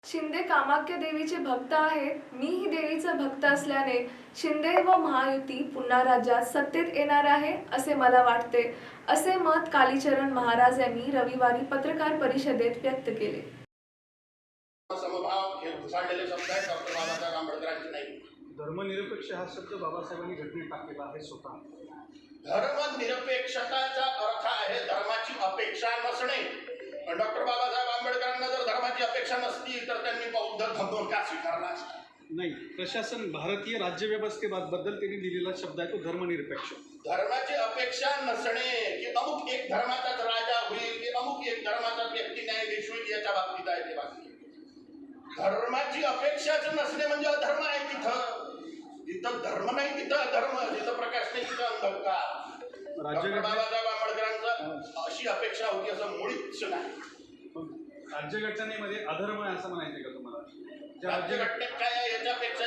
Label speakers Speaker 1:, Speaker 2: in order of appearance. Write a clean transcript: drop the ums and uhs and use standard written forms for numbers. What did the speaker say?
Speaker 1: शिंदे कामाख्या देवीचे भक्त आहेत. मीही देवीचा भक्त असल्याने शिंदे व महायुती पुन्हा राज्यात सत्तेत येणार आहे असे मला वाटते, असे मत कालीचरण महाराज यांनी रविवारी पत्रकार परिषदेत व्यक्त केले.
Speaker 2: समभाव हे घुसाळलेले शब्द आहेत. डॉक्टर बाबासाहेब आंबेडकरांचे नाही.
Speaker 3: धर्मनिरपेक्ष हा शब्द बाबासाहेबांनी घटनेत टाकलेला आहे स्वतः.
Speaker 2: धर्मनिरपेक्षताचा अर्थ आहे धर्माची अपेक्षा नसणे. डॉक्टर बाबासाहेब आंबेडकरांना जर धर्माची अपेक्षा नसती तर त्यांनी बौद्ध धर्म का स्वीकारला असता?
Speaker 3: नाही, प्रशासन भारतीय राज्यव्यवस्थेबद्दल त्यांनी दिलेला शब्द आहे तो धर्मनिरपेक्ष.
Speaker 2: धर्माची अपेक्षा नसणे की अमुक एक धर्माचाच राजा होईल की अमुक एक धर्माचाच व्यक्ती न्यायाधीश होईल याच्या बाबतीत आहे ते बाकी. धर्माची अपेक्षाच नसणे म्हणजे अधर्म आहे. जिथं धर्म नाही तिथं अधर्म, जिथं प्रकाश नाही तिथं अंधकार. डॉक्टर बाबासाहेब आंबेडकरांचं अशी अपेक्षा होती असं मुळीच नाही.
Speaker 3: राज्यघटनेमध्ये अधर्म आहे असं म्हणायचं का तुम्हाला?
Speaker 2: राज्यघटनेत काय आहे याच्यापेक्षा